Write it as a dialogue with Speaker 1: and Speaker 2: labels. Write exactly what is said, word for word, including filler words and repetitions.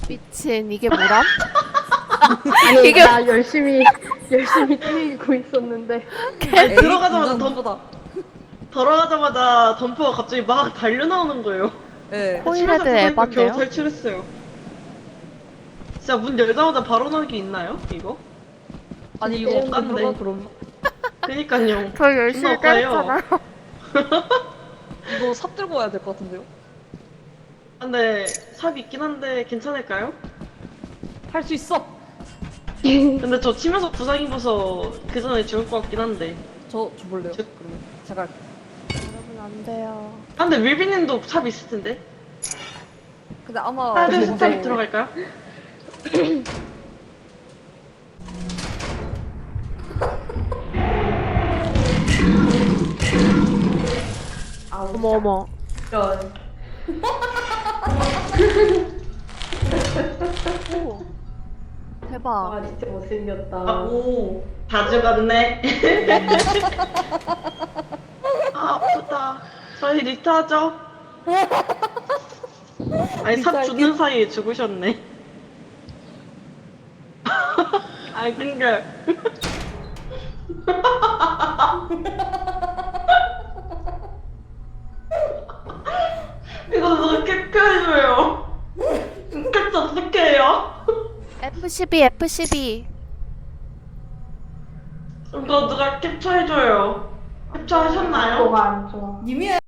Speaker 1: 미친 이게 뭐람?
Speaker 2: 아니
Speaker 1: 이게-
Speaker 2: 나 열심히 열심히 뛰고 있었는데
Speaker 3: 아니, 들어가자마자 덤,
Speaker 4: 보다.
Speaker 3: 들어가자마자 덤퍼가 갑자기 막 달려 나오는 거예요.
Speaker 4: 예.
Speaker 1: 코일헤드
Speaker 3: 치면서 겨우
Speaker 1: 에반데요?
Speaker 3: 탈출했어요. 진짜 문 열자마자 바로 나올 게 있나요? 이거?
Speaker 4: 아니 이거
Speaker 3: 게임
Speaker 4: 안 들어가
Speaker 3: 깐데.
Speaker 4: 그럼.
Speaker 3: 그니까요.
Speaker 1: 저 열심히
Speaker 3: 존나 억까요.
Speaker 1: 때렸잖아요.
Speaker 4: 이거 삽 들고 와야 될 것 같은데요?
Speaker 3: 근데 삽 있긴 한데 괜찮을까요?
Speaker 4: 할 수 있어.
Speaker 3: 근데 저 치면서 부상 입어서 그 전에 죽을 것 같긴 한데.
Speaker 4: 저 줘볼래요?
Speaker 3: 저-
Speaker 4: 그러면 제가
Speaker 1: 여러분 안 돼요.
Speaker 3: 아 근데 윌비님도 삽 있을 텐데.
Speaker 4: 근데 아마
Speaker 3: 하나 둘
Speaker 4: 뭐-
Speaker 3: 셋 삽 들어갈까요?
Speaker 1: 어머 어머.
Speaker 2: 이런
Speaker 1: 오. 대박.
Speaker 2: 아 진짜 못생겼다.
Speaker 3: 아, 오. 다 죽었네. 아 아프다. 저희 리타하죠? 아니 삽 죽는 사이에 죽으셨네. 아니 근데 이거 누가 캡처해줘요. 캡처 어떻게 해요?
Speaker 1: 에프 십이 에프 십이.
Speaker 3: 이거 누가 캡처해줘요. 캡처하셨나요?
Speaker 2: 뭐가 안 좋아.
Speaker 4: 님이